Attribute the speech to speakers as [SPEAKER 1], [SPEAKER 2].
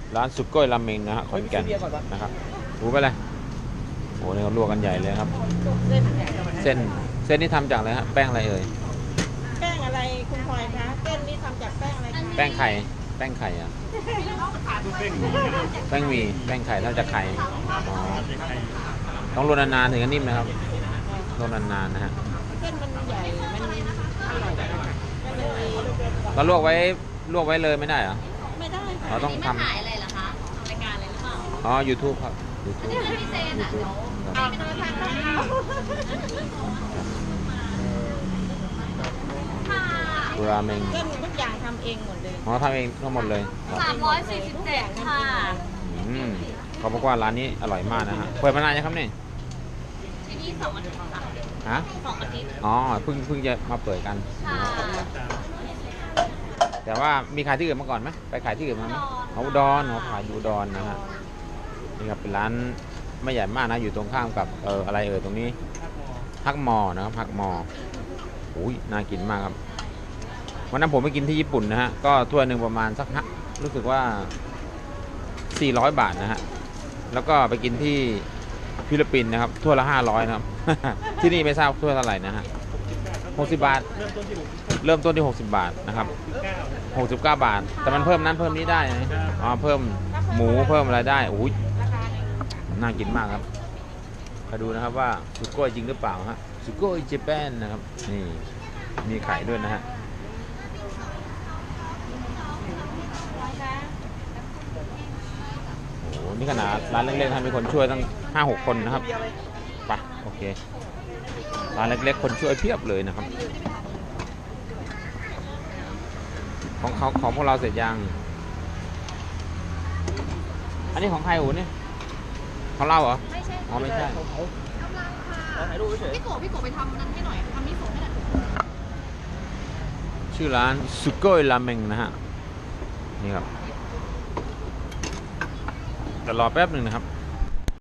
[SPEAKER 1] ร้านสุโก้ยราเมงนะฮะขอนแก่นนะครับดูไปเลยโอ้นี่เขาลวกกันใหญ่เลยครับเส้นนี่ทำจากอะไรฮะแป้งอะไรเอ่ย
[SPEAKER 2] แป้งอะไรคุณพลอยคะเส้นนี้ทำจากแป้งอะไรคะ
[SPEAKER 1] แป้งไข่อ่ะแป้งหมี่แป้งไข่ทำจากไข่อ๋อต้องรวนนานๆถึงจะนิ่มนะครับรวนนานๆนะฮะ
[SPEAKER 2] เส้นมันใหญ่มันอร่อย
[SPEAKER 1] เราลวกไว้เลยไม่ได้เหรอ
[SPEAKER 2] ไม่ได้ค่ะ
[SPEAKER 1] เราต้องทำ
[SPEAKER 3] ถ่ายอะไรเหรอคะรายการอะไรหรือเปล่า
[SPEAKER 1] อ๋อ YouTube ครับ YouTube
[SPEAKER 3] ไม่พิเศษอ่ะ
[SPEAKER 1] YouTube
[SPEAKER 2] เอาไปทานข้าว
[SPEAKER 1] ราเมง
[SPEAKER 2] เส้นทุกอย่างทำเองหมดเลย
[SPEAKER 1] อ๋อทำเองทั้งหมดเลย
[SPEAKER 3] 347ค่ะ
[SPEAKER 1] เขาบอกว่าร้านนี้อร่อยมากนะฮะเปิดมานานยังครับเนี่ย
[SPEAKER 3] ที่นี่2 อาทิตย์ค่ะ
[SPEAKER 1] ฮะ
[SPEAKER 3] 2 อาทิตย์
[SPEAKER 1] อ๋อเพิ่งจะมาเปิดกันแต่ว่ามีขายที่อื่นมาก่อนไหมไปขายที่อื่นมาไหมอุดรเขาขายอยู่อุดรนะฮะนี่ครับเป็นร้านไม่ใหญ่มากนะอยู่ตรงข้ามกับอะไรตรงนี้ฮักมอนะครับฮักมออุ้ยน่ากินมากครับวันนั้นผมไปกินที่ญี่ปุ่นนะฮะก็ถ้วยหนึ่งประมาณสักรู้สึกว่า400 บาทนะฮะแล้วก็ไปกินที่ฟิลิปปินส์นะครับถ้วยละ500นะครับ ที่นี่ไม่ทราบถ้วยเท่าไหร่นะฮะ60 บาทเริ่มต้นที่60 บาทนะครับ69 บาทแต่มันเพิ่มนั้นเพิ่มนี้ได้นะอ๋อเพิ่มหมูเพิ่มอะไรได้อุ้ยน่ากินมากครับมาดูนะครับว่าสุโก้จริงหรือเปล่าฮะสุโก้เจแปนนะครับนี่มีไข่ด้วยนะฮะโอ้นี่ขนาดร้านเล็กๆมีคนช่วยตั้ง 5-6 คนนะครับไปโอเคร้านเล็กๆคนช่วยเพียบเลยนะครับของพวกเราเสร็จยังอันนี้ของใครอู๋นี่ของเราเหรอ
[SPEAKER 3] ไม่ใช่
[SPEAKER 1] อ๋อไม่ใช่
[SPEAKER 3] กำลังค่ะพี่โกไปทำนั้นให้หน่อยทำมิโซะให้หน่อย
[SPEAKER 1] ชื่อร้านสุโก้ยราเมงนะฮะนี่ครับแต่รอแป๊บหนึ่งนะครับ